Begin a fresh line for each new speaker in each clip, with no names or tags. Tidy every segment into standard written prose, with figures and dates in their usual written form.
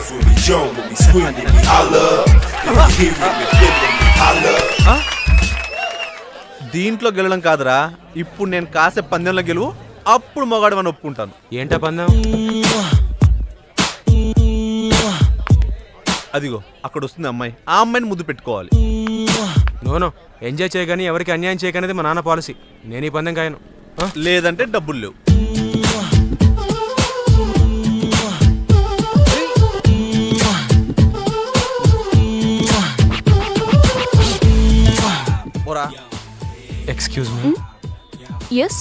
when we jump, when we scream, when we holler. If you hear it, we feel it, we holler.
దీంట్లో గెలడం కాదురా, ఇప్పుడు నేను కాసే పందెంలో గెలువు, అప్పుడు మొగాడు అని ఒప్పుకుంటాను.
ఏంటా పందెం?
అదిగో అక్కడ వస్తుంది అమ్మాయి, ఆ అమ్మాయిని ముద్దు పెట్టుకోవాలి.
నోనో, ఎంజాయ్ చేయగాని ఎవరికి అన్యాయం చేయకనేది మా నాన్న పాలసీ. నేను ఈ పందెం కాయను.
లేదంటే డబ్బులు లేవు.
Excuse me.
ఎస్.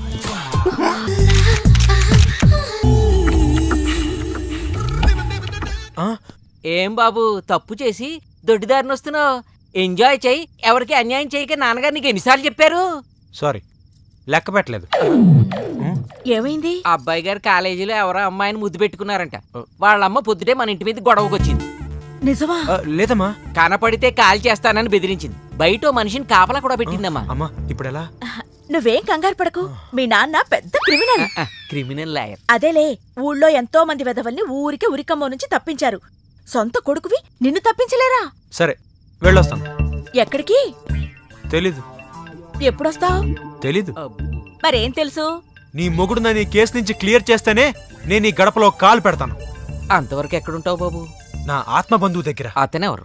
ఏం బాబు తప్పు చేసి దొడ్డిదారిని వస్తున్నావు? ఎంజాయ్ చెయ్యి, ఎవరికి అన్యాయం చేయక నాన్నగారు నీకు ఎన్నిసార్లు చెప్పారు?
సారీ, లెక్క పెట్టలేదు.
ఏమైంది?
అబ్బాయి గారు కాలేజీలో ఎవరో అమ్మాయిని ముద్దు పెట్టుకున్నారంట. వాళ్ళమ్మ పొద్దుటే మన ఇంటి మీద గొడవకొచ్చింది.
నిజమా?
లేదమ్మా.
కనపడితే కాల్ చేస్తానని బెదిరించింది. బయట మనిషిని కాపలా కూడా పెట్టిందమ్మా.
అమ్మా ఇప్పుడు ఎలా?
నువ్వేం కంగారు పడకు, మీ నాన్న పెద్ద క్రిమినల్.
Criminal lawyer.
అదేలే, ఊళ్ళో ఎంతో మంది వెధవల్ని ఊరికే ఉరికమ్మ నుంచి తప్పించారు. సొంత కొడుకువి నిన్ను తప్పించలేరా?
సరే వెళ్ళొస్తాను.
ఎక్కడికి?
తెలీదు.
ఎప్పుడొస్తావు?
తెలీదు.
మరేం తెలుసు?
నీ మొగుడు నన్ను ఈ కేసు నుంచి క్లియర్ చేస్తేనే నేను ఈ గడపలో కాలు పెడతాను.
అంతవరకు ఎక్కడుంటావు బాబు?
నా ఆత్మ బంధువు దగ్గర.
అతనెవరు?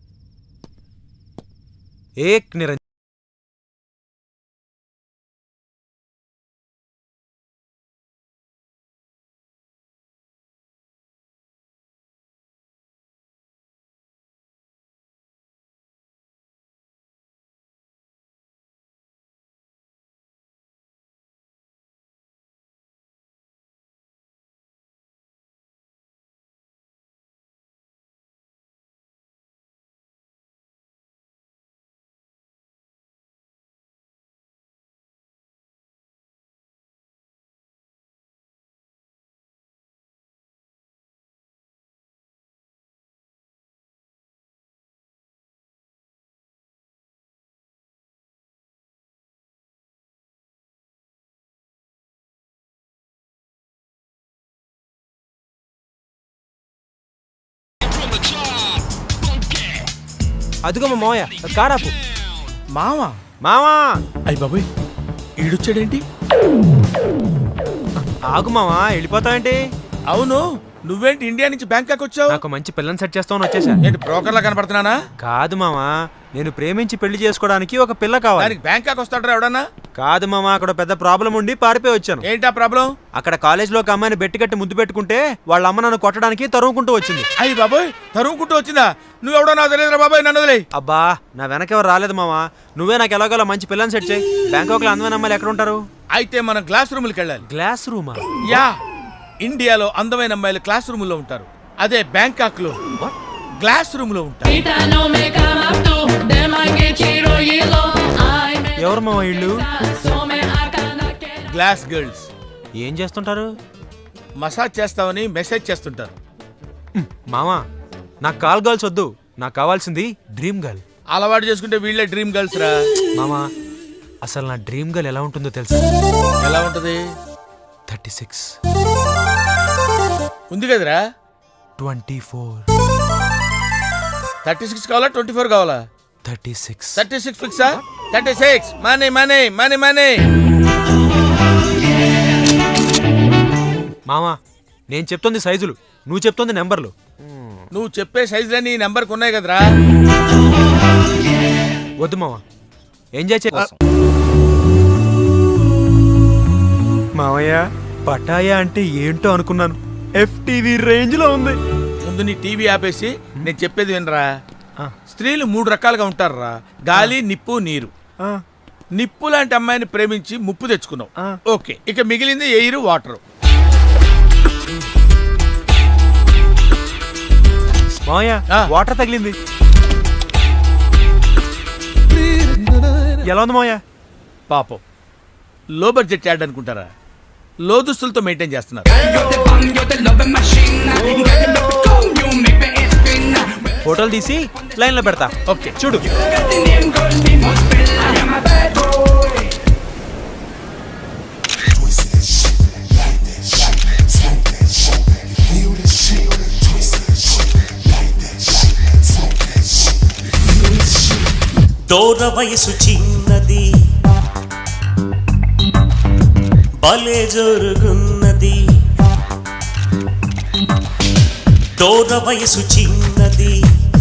ఏక్ నిరంజన్. అదిగో మా మావయ్య, కారాపు.
మావా
మావా.
అయ్య బాబోయ్, ఈడొచ్చాడేంటి?
ఆగు మావా, వెళ్ళిపోతావేంటి?
అవును, నువ్వేంటి ఇండియా నుంచి బ్యాంకాక్ వచ్చావు?
నాకు మంచి పిల్లని సెట్ చేస్తామని వచ్చేసా.
ఏంటి బ్రోకర్లా కనపడుతున్నానా?
కాదు మావా, నేను ప్రేమించి పెళ్లి చేసుకోవడానికి ఒక పిల్ల కావాలి.
దానికి బ్యాంకాక్ వస్తాడరా ఎవడన్నా?
కాదు మావా, అక్కడ పెద్ద ప్రాబ్లం ఉండి పారిపోయి వచ్చాను.
ఏంటా ప్రాబ్లం? అక్కడ
కాలేజ్ లో ఒక అమ్మాయిని బెట్టి కట్టి ముద్దు పెట్టుకుంటే వాళ్ళ అమ్మ నన్ను కొట్టడానికి తరుముకుంటూ వచ్చింది.
అయ్యి బాబోయ్, తరుముకుంటూ వచ్చిందా? నువ్వెవడో నాకు తెలియదురా బాబాయ్, నన్ను వదిలేయ్.
అబ్బా, నా వెనకెవరు రాలేదు మావా, నువ్వే నాకు ఎలాగోలా మంచి పిల్లని సెట్ చేయి. బ్యాంకాక్ లో అందమైన అమ్మాయిలు ఎక్కడ ఉంటారు?
అయితే మనం క్లాస్ రూమ్కి వెళ్ళాలి.
గ్లాస్ రూమా?
యా, ఇండియాలో అందమైన అమ్మాయిలు క్లాస్ రూమ్ లో ఉంటారు. అదే బ్యాంకాక్ లో గ్లాస్ రూమ్ లో ఉంటారు.
ఎవరు మావా ఇళ్ళు?
Glass girls.
ఏం చేస్తుంటారు?
మసాజ్ చేస్తామని మెసేజ్ చేస్తుంటారు.
మావా, నాకు కాల్ గర్ల్స్ వద్దు, నాకు కావాల్సింది డ్రీమ్ గర్ల్.
అలవాటు చేసుకుంటే వీళ్ళే డ్రీమ్ గర్ల్స్ రా.
మామా, అసలు నా డ్రీమ్ గర్ల్ ఎలా ఉంటుందో తెలుసా?
ఎలా ఉంటది?
36
ఉంది కదరా.
24
36 కావాలా 24 కావాలా?
36
36 ఫిక్సా? 36 మనీ మనీ మనీ మనీ.
మామా, నేను చెప్తుంది సైజులు, నువ్వు చెప్తుంది నెంబర్లు.
నువ్వు చెప్పే సైజులన్నీ ఈ నెంబర్కి ఉన్నాయి కదరా.
వద్దు మామా, ఎంజాయ్ చే. మామయ్య, పటాయా అంటే ఏంటో అనుకున్నాను, FTV రేంజ్ లో ఉంది.
ముందు నీ టీవీ ఆపేసి నేను చెప్పేది వినరా. స్త్రీలు 3 రకాలుగా ఉంటారురా. గాలి, నిప్పు, నీరు. నిప్పు లాంటి అమ్మాయిని ప్రేమించి ముప్పు తెచ్చుకున్నావు. ఓకే, ఇక మిగిలింది ఎయిర్, వాటర్.
మామయ్య, వాటర్ తగిలింది. ఎలా ఉంది మామయ్య?
పాపం, లో బడ్జెట్ యాడ్ అనుకుంటారా? లో దుస్తులతో మెయింటైన్ చేస్తున్నారు.
ఫోటోలు తీసి లైన్ లో పెడతా.
ఓకే,
చూడు.
దూర వయసు చిన్నది భలే జరుగున్నది దూర వయసు చిన్నది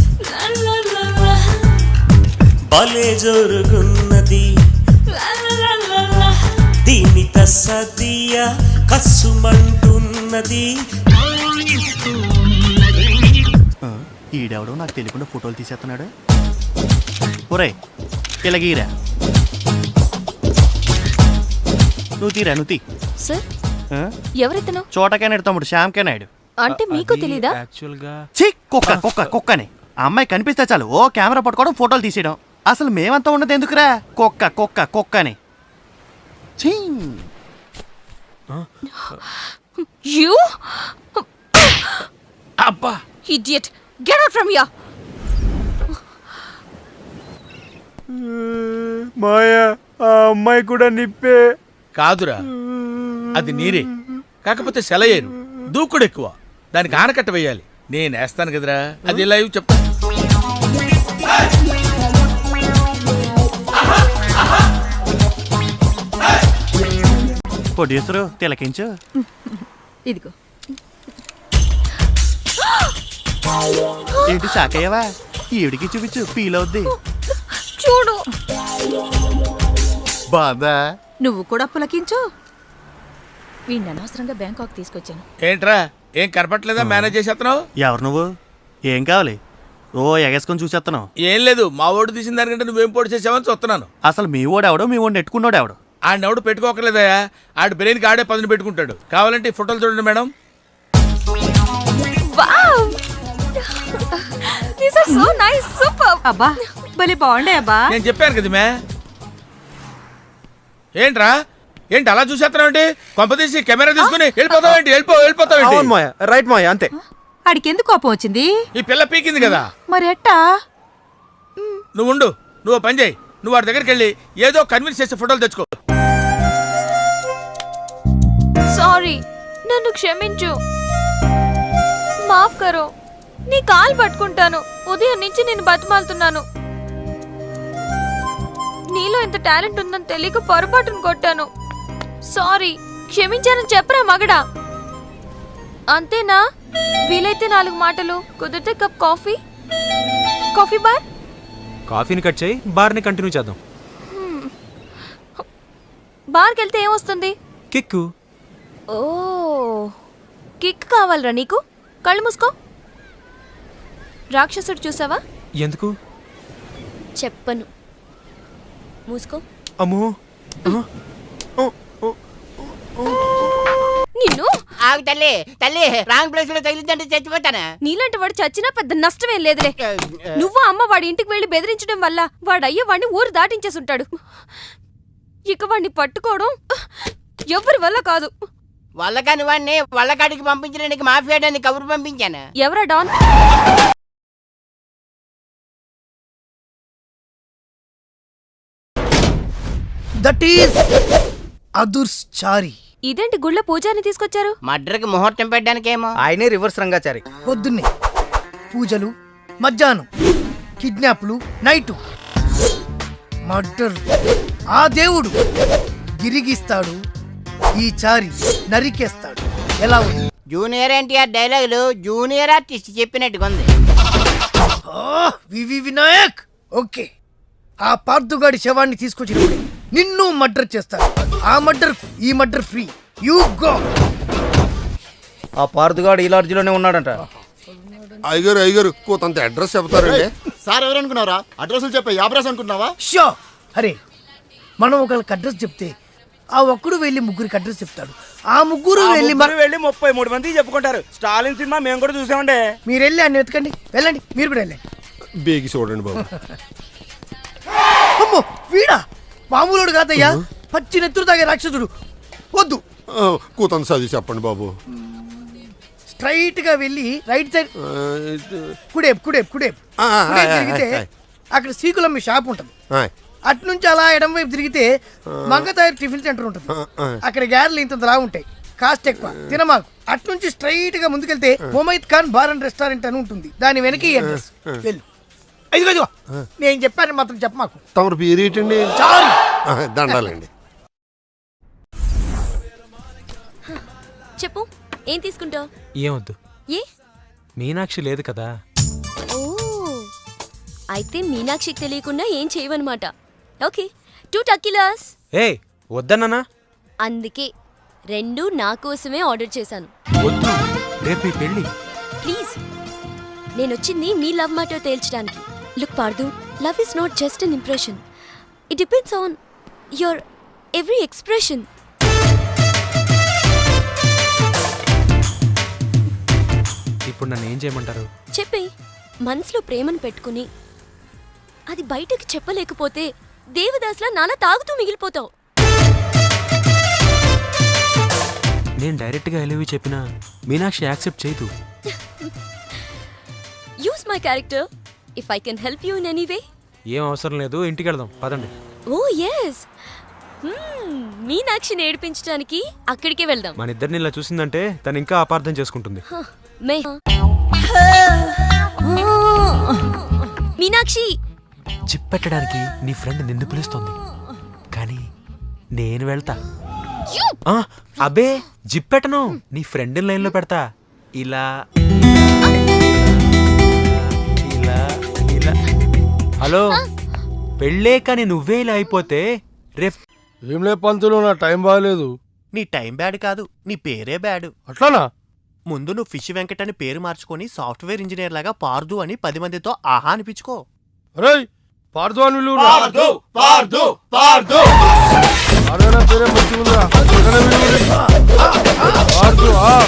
భలే జరుగున్నది దీని తస్సదియ కస్సుమంటున్నది
ఈడెవడో నాకు తెలియకుండా ఫోటోలు తీసేస్తున్నాడు. ఒరేయ్ ఇలాగీరా, నువ్వు తీరా, నువ్వు తీ.
సార్ ఎవరితను?
చోటకైనాడు తమ్ముడు, శ్యామ్కే నాయుడు.
అంటే మీకు తెలీదా?
యాక్చువల్గా
ఛీ, కుక్కని ఆ అమ్మాయి కనిపిస్తే చాలు ఓ కెమెరా పట్టుకోవడం, ఫోటోలు తీసేయడం. అసలు మేమంతా ఉన్నది ఎందుకురా? కుక్కని. ఛీ.
యు
అబ్బా
idiot, get out from here.
మాయా, ఆ అమ్మాయి కూడా నిప్పే.
కాదురా, అది నీరే, కాకపోతే సెలయేరు, దూకుడు ఎక్కువ, దానికి ఆనకట్ట వేయాలి. నేను వేస్తాను కదరా, అది లైవ్ చెప్తా.
ప్రొడ్యూసరు తిలకించు.
ఇదిగో.
ఏంటి షాక్ అయ్యావా? ఈవిడికి చూపించు, ఫీల్ అవుద్ది.
చూడు,
బాధా.
నువ్వు కూడా పులకించు. వీడిని అనవసరంగా బ్యాంకాక్ తీసుకొచ్చాను.
ఏంట్రా, ఏం కనపట్లేదా? మేనేజ్ చేసేస్తున్నావు?
ఎవరు నువ్వు? ఏం కావాలి? ఓ ఎగేసుకొని చూసేస్తున్నావు.
ఏం లేదు, మా ఓటు తీసిన దానికంటే నువ్వేం పోటీ చేసావని చూస్తున్నాను.
అసలు మీ ఓడెవడో, మీ ఓడిని నెట్టుకున్నాడు ఎవడు?
ఆడెవడు పెట్టుకోకలేదయా, ఆడు బ్రెయిన్కి ఆడే పదును పెట్టుకుంటాడు. కావాలంటే ఈ ఫోటోలు చూడండి madam.
Wow, these are so nice, super. అబ్బా భలే బాగుండే అబ్బా.
నేను చెప్పాను కదా మే. ఏంట్రా, ఏంటి అలా చూసేస్తున్నావు? కొంపదీసి కెమెరా తీసుకుని వెళ్ళిపోతావేంటి? వెళ్ళిపోతావేంటి?
అవును మాయా, రైట్ మాయా, అంతే.
ఆడికెందుకు కోపం వచ్చింది?
ఈ పిల్ల పీకింది కదా.
మరి ఎట్టా?
నువ్వు ఉండు, నువ్వు పని చేయి, నువ్వు వాడి దగ్గరికి వెళ్ళి ఏదో కన్విన్స్ చేసే ఫోటోలు తెచ్చుకో.
సారీ, నన్ను క్షమించు. మాఫ్ కరో. నీ కాలు పట్టుకుంటాను. ఉదయం నుంచి నేను బతిమాలుతున్నాను. నీలో ఇంత టాలెంట్ ఉందని తెలియక పొరపాటును కొట్టాను. సారీ, క్షమించానని చెప్పరా మగడా. అంతేనా? వీలైతే 4 మాటలు, కుదిరితే కప్ కాఫీ. Coffee bar.
కాఫీని కట్ చేయి, బార్ని కంటిన్యూ చేద్దాం.
బార్కి వెళ్తే ఏమొస్తుంది?
కిక్కు.
ఓ, కిక్ కావాలరా నీకు? కళ్ళు మూసుకో. రాక్షసుడు చూసావా?
ఎందుకు?
చెప్పను, మూసుకో.
అమ్మో.
నిన్ను
ఆగు తల్లి, తల్లి రాంగ్ ప్లేస్ లో తగిలిందంటే చచ్చిపోతానా?
నీలాంటి వాడు చచ్చినా పెద్ద నష్టమేం లేదులే. నువ్వు అమ్మ వాడి ఇంటికి వెళ్లి బెదిరించడం వల్ల వాడయ్య వాడిని ఊరు దాటించేసి ఉంటాడు. ఇక వాడిని పట్టుకోవడం ఎవరి వల్ల కాదు.
వాళ్ళకాని వాడిని వాళ్ళకాడికి పంపించడానికి మాఫియాడానికి కబురు పంపించాను.
ఎవరా డాన్?
That is అదుర్చారి.
ఇదేంటి గుళ్ళ పూజాని తీసుకొచ్చారు?
మర్డర్కి ముహూర్తం పెట్టడానికేమో.
ఆయనే రివర్స్ రంగాచారి. పొద్దున్నే పూజలు, మధ్యాహ్నం కిడ్నాప్లు, నైటు మర్డర్. ఆ దేవుడు గిరిగిస్తాడు, ఈ చారి నరికేస్తాడు. ఎలా ఉంది?
జూనియర్ ఎన్టీఆర్ డైలాగులు జూనియర్ ఆర్టిస్ట్ చెప్పినట్టుగా ఉంది.
వివి వినాయక్. ఓకే, ఆ పార్థుగాడి శవాన్ని తీసుకొచ్చినప్పుడు నిన్ను మర్డర్ చేస్తాడు. ఆ మర్డర్, ఈ మర్డర్ ఫ్రీ. You go.
ఆ పార్థుగాడు ఈ లాడ్జిలోనే ఉన్నాడంట.
అయ్యగారు కొంత అడ్రస్ చెప్తారండి.
సార్ ఎవరనుకున్నారా? అడ్రస్లు చెప్పే యాబ్రాస్ అనుకున్నావా?
షో. అరే, మనం ఒకళ్ళకి అడ్రస్ చెప్తే ఆ ఒక్కడు వెళ్ళి ముగ్గురికి అడ్రస్ చెప్తాడు. ఆ ముగ్గురు వెళ్ళి
33 మందికి చెప్పుకుంటారు. స్టాలిన్ సినిమా మేము కూడా చూసామండి.
మీరు వెళ్ళి అన్ని వెతకండి. వెళ్ళండి, మీరు కూడా వెళ్ళండి.
బేగి చూడండి బాబు.
అమ్మో, వీడా మామూలుడు కాదయ్యా, పచ్చి నెత్తురు తాగే రాక్షసుడు. వద్దు,
కూతంత చదివి చెప్పండి బాబు.
స్ట్రైట్ గా వెళ్ళి రైట్ సైడ్ కుడేపు తిరిగితే అక్కడ సీకులమ్మి షాప్ ఉంటుంది. అటు నుంచి అలా ఎడం వైపు తిరిగితే మంగతాయి టిఫిన్ సెంటర్ ఉంటుంది. అక్కడ గ్యారెలు ఇంత లా ఉంటాయి, కాస్ట్ ఎక్కువ, తినమాకు. అటు నుంచి స్ట్రైట్ గా ముందుకెళ్తే మొమైద్ ఖాన్ బార్ అండ్ రెస్టారెంట్ అని ఉంటుంది. దాని వెనక అడ్రస్. వెళ్ళు. ఇదిగో ఇదిగో నేను చెప్పాను మాత్రం చెప్ప మాకు.
తమరు పేరేటండి?
చాలు.
దండాలండి.
చెప్పు ఏం తీసుకుంటావు?
ఏమొద్దు,
ఏ?
మీనాక్షి లేదు కదా.
ఓ అయితే మీనాక్షికి తెలియకుండా ఏం చేయవన్నమాట. ఓకే 2 టకీలాస్.
ఏ వద్దన్నానా?
అందుకే 2 నా కోసమే ఆర్డర్ చేశాను.
వద్దు, రేపు ఈ పెళ్ళి.
ప్లీజ్, నేనొచ్చింది మీ లవ్ మ్యాటర్ తేల్చడానికి. Look Pardhu, love is not just an impression. It depends on your every expression.
ఇప్పుడు నన్ను ఏం చేయమంటారు?
చెప్పి మనసులో ప్రేమను పెట్టుకుని అది బయటకు చెప్పలేకపోతే దేవదాస్లా నాన్న తాగుతూ మిగిలిపోతావు.
నేను డైరెక్ట్గా ఎలివి చెప్పినా మీనాక్షి యాక్సెప్ట్ చేయదు.
Use my character if I can help you in any way.
ఏం అవసరం లేదు, ఇంటికి వెళ్దాం పదండి.
ఓ ఎస్, మీనాక్షిని ఏడిపించడానికి అక్కడికే వెళ్దాం.
మన ఇద్దరిని ఇలా చూసిందంటే తను ఇంకా అపార్థం చేసుకుంటుంది.
మీనాక్షి,
చిప్పెట్టడానికి నీ ఫ్రెండ్ నిన్ను పిలుస్తోంది, కానీ నేను వెళ్తా. అబే జిప్పెట్టను, నీ ఫ్రెండ్ లైన్లో పెడతా. ఇలా ఇలా ఇలా. హలో, పెళ్ళే కానీ నువ్వే ఇలా అయిపోతే రేపు
ఏం లే పంతులు, నా టైం బాగలేదు.
నీ టైం బ్యాడ్ కాదు, నీ పేరే బ్యాడ్.
అట్లానా?
ముందు నువ్వు ఫిష్ వెంకట్ అని పేరు మార్చుకొని సాఫ్ట్వేర్ ఇంజనీర్ లాగా పార్దు అని 10 మందితో ఆహా అనిపించుకో.
అరే పార్దు అని పిలువురా.
పార్దు పార్దు పార్దు
అరే నా పేరే మంచిగుందిరా. ఎక్కడ పిలువురా? పార్దు.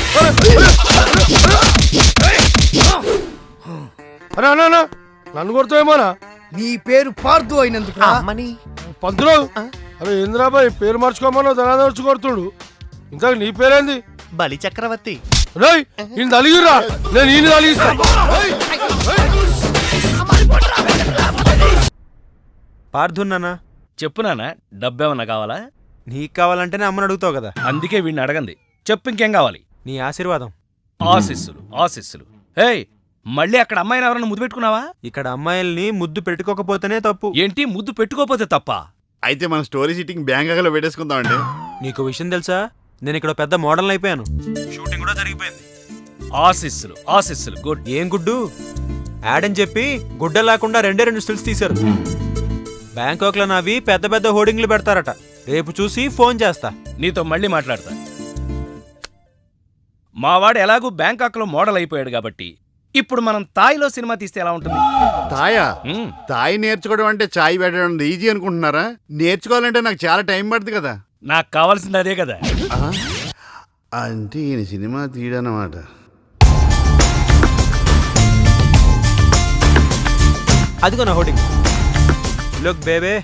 అరే అన్నా, నన్ను కొడతావేమోనా?
నీ పేరు పార్దు అయినందుకు
అమ్మని
పంతులు, అరే ఇంద్రాబాయ్ పేరు మార్చుకోమన్నా ధనాదర్చి కొడుతుడు. ఇంతకు నీ పేరేంది?
బలి చక్రవర్తి.
రేయ్ ఈయన తలిగిరా, నేను ఈయన తలిగిస్తా.
పార్థున్నానా?
చెప్పు నాన్న, డబ్బేమన్నా కావాలా?
నీకు కావాలంటేనే అమ్మని అడుగుతావు కదా.
అందుకే వీడిని అడగంది. చెప్పు ఇంకేం కావాలి?
నీ ఆశీర్వాదం.
ఆశీస్సులు ఆశీస్సులు. హేయ్, మళ్ళీ అక్కడ అమ్మాయిని ఎవరన్నా ముద్దు పెట్టుకున్నావా?
ఇక్కడ అమ్మాయిల్ని ముద్దు పెట్టుకోకపోతేనే తప్పు.
ఏంటి ముద్దు పెట్టుకోపోతే తప్ప?
అయితే మనం స్టోరీ సిట్టింగ్ బ్యాంకాక్లో పెట్టేసుకుందామండి.
నీకు విషయం తెలుసా, నేను ఇక్కడ పెద్ద మోడల్ అయిపోయాను. షూటింగ్ కూడా జరిగిపోయింది.
ఆశీస్సులు ఆశీస్సులు. గుడ్.
ఏం గుడ్డు? యాడ్ అని చెప్పి గుడ్డ లేకుండా 2 స్టిల్స్ తీశారు. బ్యాంకాక్ లో నావి పెద్ద పెద్ద హోర్డింగ్లు పెడతారట. రేపు చూసి ఫోన్ చేస్తా.
నీతో మళ్ళీ మాట్లాడతా. మావాడు ఎలాగూ బ్యాంకాక్లో మోడల్ అయిపోయాడు కాబట్టి ఇప్పుడు మనం తాయిలో సినిమా తీస్తే ఎలా ఉంటుంది?
తాయా? తాయి నేర్చుకోవడం అంటే చాయ్ పెట్టడం ఈజీ అనుకుంటున్నారా? నేర్చుకోవాలంటే నాకు చాలా టైం పడుతుంది కదా.
నాకు కావాల్సింది అదే కదా.
అంటే ఈయన సినిమా తీయడన్నమాట.
అదిగో నా హోర్డింగ్. Look baby.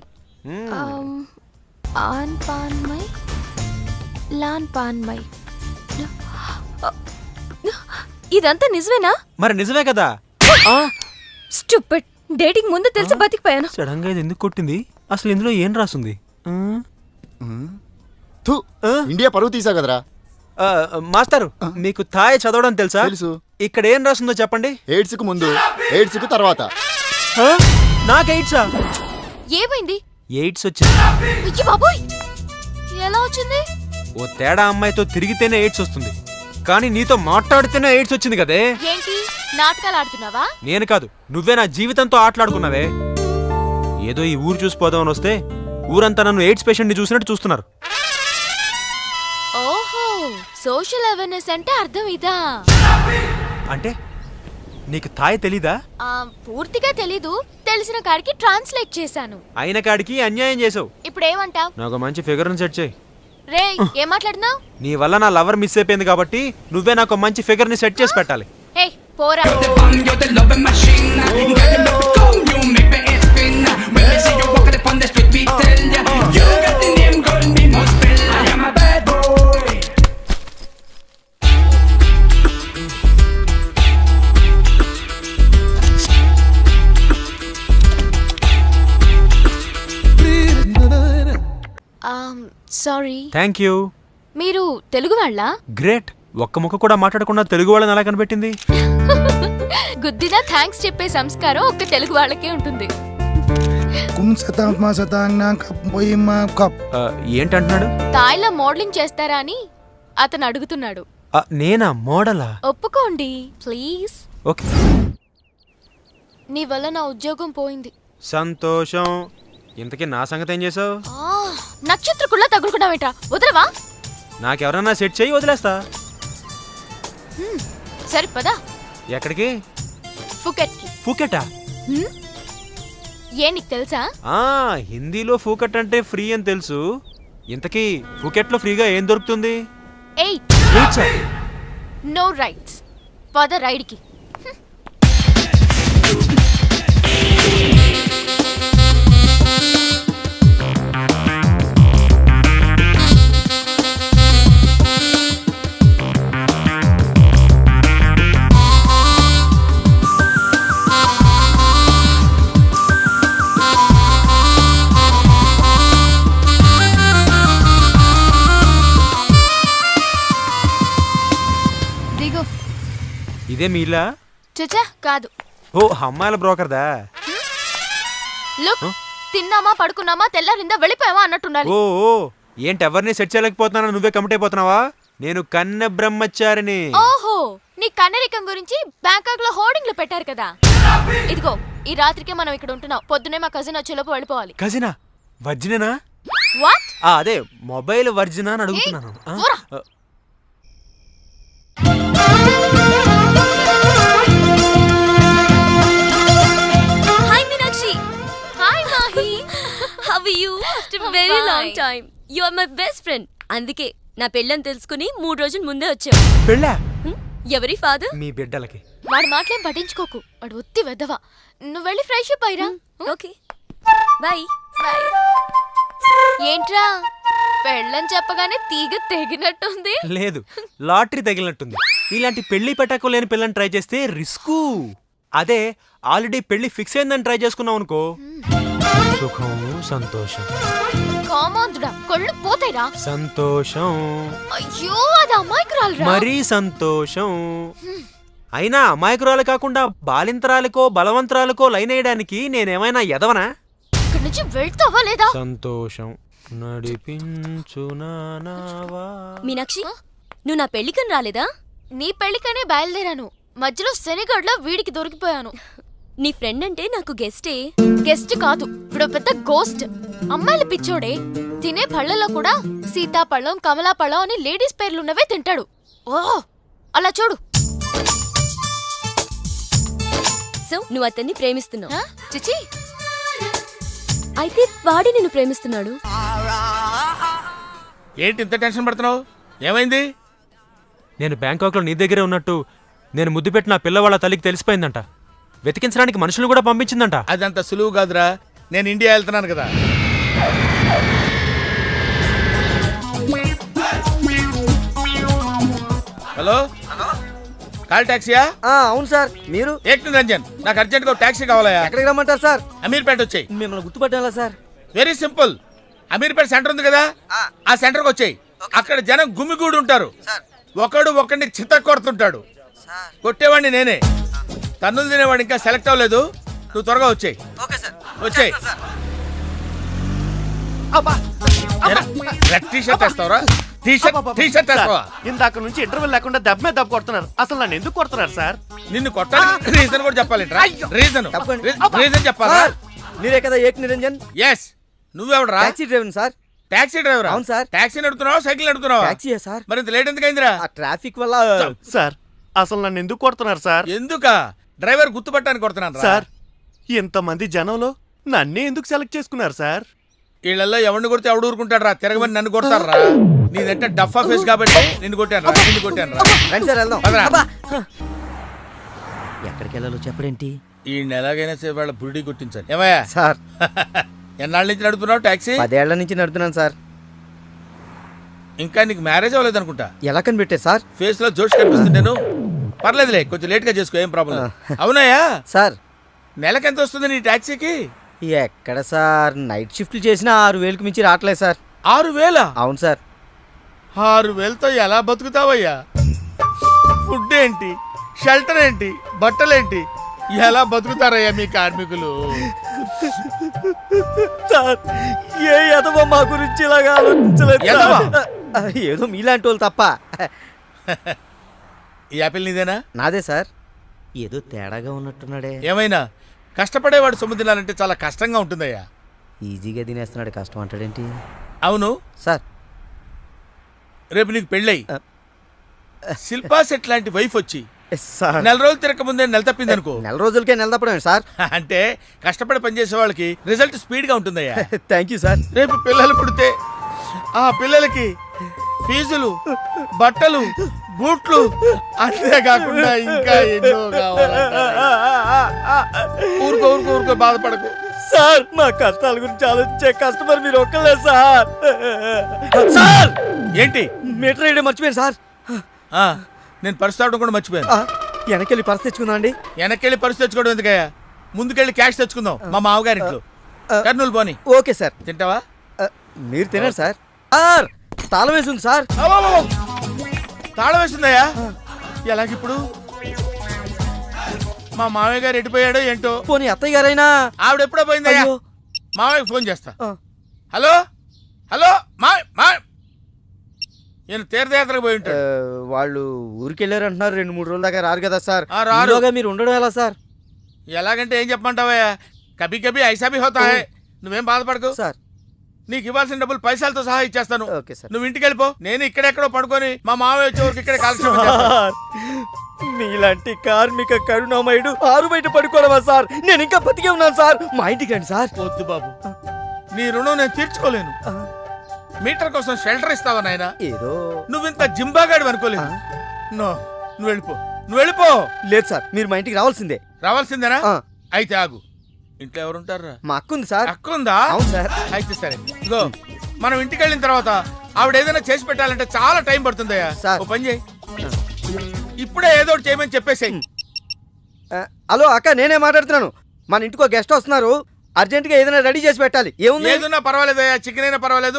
ఆన్ పాన్ మై లాన్ పాన్ మై. ఇదంతా నిజమేనా?
మరి నిజమే కదా.
స్టూపిడ్. డేటింగ్ ముందు తెలిసి బతికిపోయాను.
సడన్ గా ఇది ఎందుకు కొట్టింది? అసలు ఇందులో ఏం రాసుంది?
ఇండియా పరువు తీసా కదరా.
మాస్టారు, మీకు థాయ్ చదవడం తెలుసా?
తెలుసు.
ఇక్కడ ఏం రాసిందో చెప్పండి.
ఎయిడ్స్ కు ముందు, ఎయిడ్స్ కు తర్వాత.
నాకు ఎయిడ్సా?
ఏమైంది?
ఎయిడ్స్ వచ్చింది.
అయ్య బాబోయ్, ఎలా వచ్చింది?
ఓ తేడా అమ్మాయితో తిరిగితేనే ఎయిడ్స్ వస్తుంది, కానీ నీతో మాట్లాడితేనే ఎయిడ్స్ వచ్చింది కదే.
ఏంటి నాటకాలు ఆడుతున్నావా?
నేను కాదు, నువ్వే నా జీవితంతో ఆటలాడుకున్నావే. ఏదో ఈ ఊరు చూసిపోదామని వస్తే ఊరంతా నన్ను ఎయిడ్స్ పేషెంట్ ని చూసినట్టు చూస్తున్నారు.
ఓహో, సోషల్ అవేర్నెస్ అంటే అర్థం ఇదా?
అంటే నీకు థాయ్ తెలీదా?
పూర్తిగా తెలీదు, తెలిసిన కాడికి ట్రాన్స్లేట్ చేశాను.
అయిన కాడికి అన్యాయం చేసావు.
ఇప్పుడు ఏమంటావ్?
నాకు మంచి ఫిగర్ ని సెట్ చేయి.
రే, ఏం మాట్లాడుతున్నావు?
నీ వల్ల నా లవర్ మిస్ అయిపోయింది కాబట్టి నువ్వే నాకు మంచి ఫిగర్ ని సెట్ చేసి పెట్టాలి.
హే పోరా. సారీ.
Thank you.
మీరు తెలుగు వాళ్ళా?
గ్రేట్. ఒక్క ముక్క కూడా మాట్లాడకుండా తెలుగు వాళ్ళని ఎలా కనిపెట్టింది?
గుద్దినా థ్యాంక్స్ చెప్పే సంస్కారం ఒక్క తెలుగు వాళ్ళకే ఉంటుంది.
ఏంటంటున్నాడు?
తాయిలో మోడలింగ్ చేస్తారా అని అతను అడుగుతున్నాడు.
నేనా మోడలా?
ఒప్పుకోండి ప్లీజ్.
ఓకే.
నీ వల్ల నా ఉద్యోగం పోయింది.
సంతోషం. ఇంతకీ నా సంగతి ఏం చేసావు?
నక్షత్రకుళ్ళ తగులుకున్నావేంట్రా? వదలవా?
నాకెవరన్నా సెట్ చేయి, వదిలేస్తా.
సరే పదా.
ఎక్కడికి?
ఫుకెట్కి.
ఫూకెటా?
ఏ నీకు తెలుసా?
హిందీలో ఫూకెట్ అంటే ఫ్రీ అని తెలుసు. ఇంతకీ ఫూకెట్లో ఫ్రీగా ఏం దొరుకుతుంది?
8 నో రైట్స్. పద రైడ్కి. దిగు.
ఇదే మీలా?
చచ్చా కాదు.
ఓ అమ్మాయిల బ్రోకర్దా?
లుక్, తిన్నామా పడుకున్నామా తెల్లారిందా వెళ్ళిపోయావా అన్నట్టుండాలి.
ఓ ఏంటి ఎవరిని సెట్ చేయలేకపోతున్నా? నువ్వే కమిట్ అయిపోతున్నావా? నేను కన్నె బ్రహ్మచారిని.
ఓహో, నీ కన్నరికం గురించి బ్యాంకాక్ లో హోర్డింగ్లు పెట్టారు కదా. ఇదిగో ఈ రాత్రికే మనం ఇక్కడ ఉంటున్నాం. పొద్దునే మా కజిన్ వచ్చేలోపు వెళ్ళిపోవాలి.
కజినా? వర్జినేనా?
వాట్?
అదే మొబైల్ వర్జినా అని అడుగుతున్నాను.
Hi Meenakshi. Hi Mahi. How are you? After very long time. You are my best friend. అందుకే నా పెళ్ళని తెలుసుకుని 3 రోజుల ముందే వచ్చావు.
పెళ్ళా?
ఎవరి ఫాదర్?
మీ బిడ్డలకి.
వాడి మాటలేం పట్టించుకోకు, వాడు ఒత్తి వెదవా. నువ్వు వెళ్ళి ఫ్రెష్ అప్ అయ్యిరా. Okay bye. బై. ఏంట్రా పెళ్ళని చెప్పగానే తీగ తెగినట్టుంది?
లేదు, లాటరీ తగిలినట్టుంది. ఇలాంటి పెళ్లి పెట్టకు లేని పిల్లని ట్రై చేస్తే రిస్కు. అదే ఆల్రెడీ పెళ్లి ఫిక్స్ అయిందని ట్రై చేసుకున్నావు అనుకో, సుఖం సంతోషం.
కామాంధుడా, కళ్ళు పోతాయిరా.
సంతోషం.
అయ్యో అది అమాయకురాలురా.
మరీ సంతోషం. అయినా అమాయకురాలు కాకుండా బాలింతరాలకో బలవంతరాలకో లైన్ వేయడానికి నేనేమైనా ఎదవనా?
ఇక్కడి నుంచి వెళ్తావా లేదా?
సంతోషం నడిపించునావా.
మీనాక్షి, నువ్వు నా పెళ్లికని రాలేదా? నీ పెళ్లికనే బయలుదేరాను. మధ్యలో శనిగడ్లో వీడికి దొరికిపోయాను. నీ ఫ్రెండ్ అంటే నాకు గెస్టే. గెస్ట్ కాదు, ఇప్పుడు పెద్ద గోస్ట్. అమ్మాయిల పిచ్చోడే. తినే పళ్ళలో కూడా సీతాపళ్ళం కమలాపళ్ళం అని లేడీస్ పేర్లున్నవే తింటాడు. ఓ అలా చూడు.
సో నువ్వు అతన్ని ప్రేమిస్తున్నావు?
చిచి,
అయితే వాడి నిన్ను ప్రేమిస్తున్నాడు.
ఏంటి ఇంత టెన్షన్ పడుతున్నావు? ఏమైంది?
నేను బ్యాంకాక్లో నీ దగ్గరే ఉన్నట్టు నేను ముద్దు పెట్టిన పిల్లవాళ్ళ తల్లికి తెలిసిపోయిందంట. వెతికించడానికి మనుషులు కూడా పంపించిందంట.
అదంత సులువు కాదురా. నేను ఇండియా వెళ్తున్నాను కదా. హలో, కాల్ టాక్సీయా?
అవును సార్. మీరు?
ఏక్ నిరంజన్, నాకు అర్జెంట్గా టాక్సీ కావాలయా.
ఎక్కడికి రమ్మంటారు సార్?
అమీర్పేట వచ్చాయి.
మిమ్మల్ని గుర్తుపట్టాలా sir?
Very simple. Ameerpet centre ఉంది కదా, ఆ సెంటర్కి వచ్చాయి. అక్కడ జనం గుమిగూడి ఉంటారు. ఒకడు ఒకడిని చిత్త కొడుతుంటాడు. కొట్టేవాడిని నేనే. తన్నులు తినేవాడు ఇంకా సెలెక్ట్ అవ్వలేదు. నువ్వు త్వరగా వచ్చాయి. వచ్చాయి.
ఇందాక నుంచి ఇంటర్వ్యూ లేకుండా దెబ్బ మీద దెబ్బ కొడుతున్నారు. అసలు నన్ను ఎందుకు కొడుతున్నారు సార్?
నిన్ను కొట్టాలి రీజన్ కూడా చెప్పాలి. రీజన్ చెప్పాలా?
మీరే కదా ఏక్ నిరంజన్?
ఎస్. నువ్వెవడరా?
Taxi driver sir.
Taxi driver?
అవును సార్.
టాక్సీ నడుపుతున్నావా సైకిల్ నడుపుతున్నావా?
టాక్సీయే సార్.
మరి ఇంత లేట్ ఎందుకైందిరా?
ట్రాఫిక్ వల్ల.
సార్ అసలు నన్ను ఎందుకు కొడుతున్నారు సార్?
ఎందుకా? డ్రైవర్ గుర్తుపట్టానికి కొడుతున్నాను
సార్. ఇంతమంది జనంలో నన్నే ఎందుకు సెలెక్ట్ చేసుకున్నారు సార్?
వీళ్ళల్లో ఎవరిని కొడితే ఎవడు ఊరుకుంటాడు రా? తిరగమని నన్ను కొడతారా? నీదంటే డఫా ఫేస్ కాబట్టి నిన్ను కొట్టాను రా.
రండి సార్ వెళ్దాం.
ఎక్కడికి వెళ్ళాలో చెప్పడేంటి?
ఈ ఎలాగైనా సరే వాళ్ళ బుడి కొట్టించాలి. ఏమయ్యా
సార్?
ఎన్నాళ్ళ నుంచి నడుపుతున్నావు టాక్సీ?
10 ఏళ్ల నుంచి నడుపుతున్నాను సార్.
ఇంకా నీకు మ్యారేజ్ అవ్వలేదు అనుకుంటా.
ఎలా కనిపెట్టారు సార్?
ఫేస్ లో జోష్ కనిపిస్తుంటేను. పర్లేదులే, కొంచెం లేట్ గా చేసుకో, ఏం ప్రాబ్లం. అవునాయా
సార్?
నెలకి ఎంత వస్తుంది నీ టాక్సీకి?
ఎక్కడ సార్, నైట్ షిఫ్ట్లు చేసినా 6,000కి మించి రావట్లేదు సార్.
6,000?
అవును సార్.
6,000తో ఎలా బతుకుతావయ్యా? ఫుడ్ ఏంటి, షెల్టర్ ఏంటి, బట్టలేంటి, ఎలా బతుకుతారయ్యా మీ కార్మికులు?
సార్ ఏ ఎదవో మా గురించి ఇలాగా ఆలోచించలేదు సార్.
ఎదవా?
ఏదో మీలాంటి వాళ్ళు తప్ప.
ఈ యాపిల్ నీదేనా?
నాదే సార్. ఏదో తేడాగా ఉన్నట్టున్నాడే.
ఏమైనా కష్టపడేవాడు సొమ్ము తినాలంటే చాలా కష్టంగా ఉంటుందయ్యా.
ఈజీగా తినేస్తున్నాడు, కష్టం అంటాడేంటి
అవును
సార్?
రేపు నీకు పెళ్ళై శిల్పా సెట్ లాంటి వైఫ్ వచ్చి
సార్
నెల రోజులు తిరగకముందే నెల తప్పింది అనుకో.
నెల రోజులకే నెల తప్పడమే సార్.
అంటే కష్టపడి పనిచేసే వాళ్ళకి రిజల్ట్ స్పీడ్ గా ఉంటుందయ్యా.
Thank you sir.
రేపు పిల్లలు పుడితే ఆ పిల్లలకి ఫీజులు, బట్టలు, బూట్లు, అంతేకాకుండా ఇంకా ఎన్నో కావాలంటారా? ఊరుకో ఊరుకో ఊరుకో, బాధపడకు.
సార్ మా కష్టాల గురించి ఆలోచించే కస్టమర్ మీరు ఒక్కలే సార్. సార్
ఏంటి?
మీటర్ వేయడం మర్చిపోయాను సార్.
నేను పర్సు తాగడం కూడా మర్చిపోయాను.
వెనకెళ్ళి పర్స్ తెచ్చుకుందాం అండి.
వెనక్కెళ్ళి పర్సు తెచ్చుకోవడం ఎందుకయ్యా? ముందుకెళ్ళి క్యాష్ తెచ్చుకుందాం మా మామగారింట్లో. కర్నూలు పోని.
Okay sir.
తింటావా?
మీరు తినండి సార్. సార్ తాళం వేసింది సార్.
తాళం వేసిందయ్యా? ఎలాగిప్పుడు? మా మామయ్య గారు ఎడిపోయాడో ఏంటో.
పోనీ అత్తయ్య గారైనా?
ఆవిడ ఎప్పుడో పోయిందయ్యా. మామయ్యకి ఫోన్ చేస్తా. హలో హలో మా నేను తీర్థయాత్రకు పోయి ఉంటాడు.
వాళ్ళు ఊరికెళ్ళారు అంటున్నారు. 2-3 రోజుల దాకా రారు కదా సార్.
రారు.
ఈలోగా మీరు ఉండడం ఎలా సార్?
ఎలాగంటే ఏం చెప్పమంటావయ్యా? కభీ కభీ ఐసా భీ హోతా హై. నువ్వేం బాధపడకు
సార్.
నీకు ఇవ్వాల్సిన డబ్బులు పైసలతో సహా ఇచ్చేస్తాను.
Okay sir.
నువ్వు ఇంటికి వెళ్ళిపో. నేను ఇక్కడెక్కడో పడుకొని మా మామయ్య వచ్చే వరకు ఇక్కడే కాలక్షేపం చేస్తాను.
మీలాంటి కార్మిక కరుణామయుడు ఆరు బయట పడుకోవడమా సార్? నేను ఇంకా బతికే ఉన్నాను సార్. మా ఇంటికి రండి సార్.
వద్దు బాబు, నీ రుణం నేను తీర్చుకోలేను. మీటర్ కోసం షెల్టర్ ఇస్తావా నాయనా?
ఏదో
నువ్వింత జింబాగాడు అనుకోలేదు. నో, నువ్వు వెళ్ళిపో, నువ్వు వెళ్ళిపో.
లేదు సార్, మీరు మా ఇంటికి రావాల్సిందే.
రావాల్సిందేనా? అయితే ఆగు. ఇంట్లో ఎవరుంటారా?
మా అక్క ఉంది సార్.
అక్క ఉందా?
అవును సార్.
అయితే సరే, ఇగో మనం ఇంటికి వెళ్ళిన తర్వాత ఆవిడ ఏదైనా చేసి పెట్టాలంటే చాలా టైం పడుతుందయ్యా. ఓ పని చేయి, ఇప్పుడే ఏదో ఒకటి చేయమని చెప్పేసేయ్.
హలో అక్క, నేనే మాట్లాడుతున్నాను. మన ఇంటికి ఒక గెస్ట్ వస్తున్నారు. అర్జెంట్ గా ఏదైనా రెడీ చేసి పెట్టాలి. ఏముంది?
ఏదన్నా పర్వాలేదయ్యా, చికెన్ అయినా పర్వాలేదు.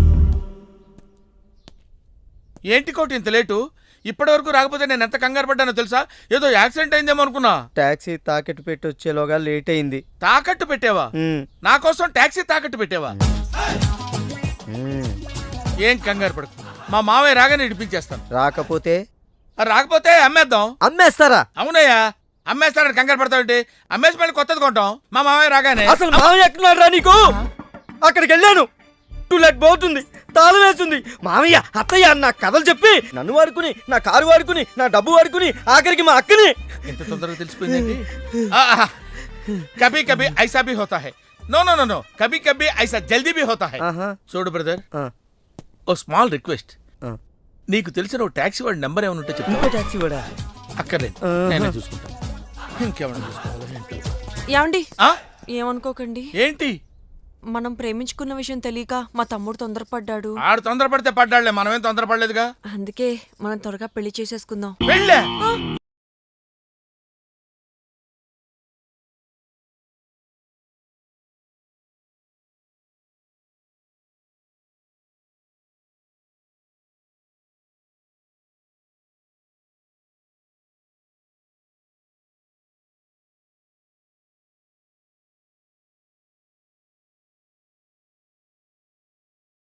ఏంటి కోటి ఇంత లేటు? ఇప్పటి వరకు రాకపోతే నేను ఎంత కంగారు పడ్డానో తెలుసా? ఏదో యాక్సిడెంట్ అయిందేమో అనుకున్నా.
టాక్సీ తాకట్టు పెట్టి వచ్చేలోగా లేట్ అయింది.
తాకట్టు పెట్టావా? నా కోసం టాక్సీ తాకట్టు పెట్టావా? ఏం కంగారు పడకు, మా మావయ్య రాగానే ఇడిపించేస్తాను.
రాకపోతే?
రాకపోతే అమ్మేద్దాం.
అమ్మేస్తారా?
అవునయ్యా, అమ్మేస్తాడని కంగారు పడతావుంటే అమ్మేసి మళ్ళీ కొత్తది కొంటాం మా మావయ్య రాగానే.
అసలు మావయ్య ఎక్కడున్నాడు రా నీకు? అక్కడికి వెళ్ళాను, టూలెట్ పోతుంది, తాళం వేస్తుంది. మామయ్య అత్తయ్య అన్న కథలు చెప్పి నన్ను వాడుకుని, నా కారు వాడుకుని, నా డబ్బు వాడుకుని, ఆఖరికి మా అక్కని.
ఎంత తొందరగా తెలిసిపోయిందండి. కభీ కభీ ఐసా భీ హోతా హై. నో నో నో నో, కభీ కభీ ఐసా జల్దీ భీ హోతా హై. చూడు బ్రదర్, ఓ స్మాల్ రిక్వెస్ట్. నీకు తెలిసిన ఓ టాక్సీ వాడి నెంబర్ ఏమైనా ఉంటే చెప్పు.
టాక్సీ వాడా?
అక్కర్లేదు, నేనే చూసుకుంటాను. ఇంకేమైనా చూసుకోవాలి.
ఏమండి, ఏమనుకోకండి.
ఏంటి?
మనం ప్రేమించుకున్న విషయం తెలియక మా తమ్ముడు తొందరపడ్డాడు.
ఆడు తొందరపడితే పడ్డాడులే, మనమేం తొందరపడలేదుగా.
అందుకే మనం త్వరగా పెళ్లి చేసేసుకుందాం.
పెళ్ళే?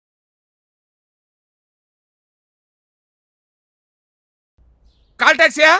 కాల్ టాక్సీయా?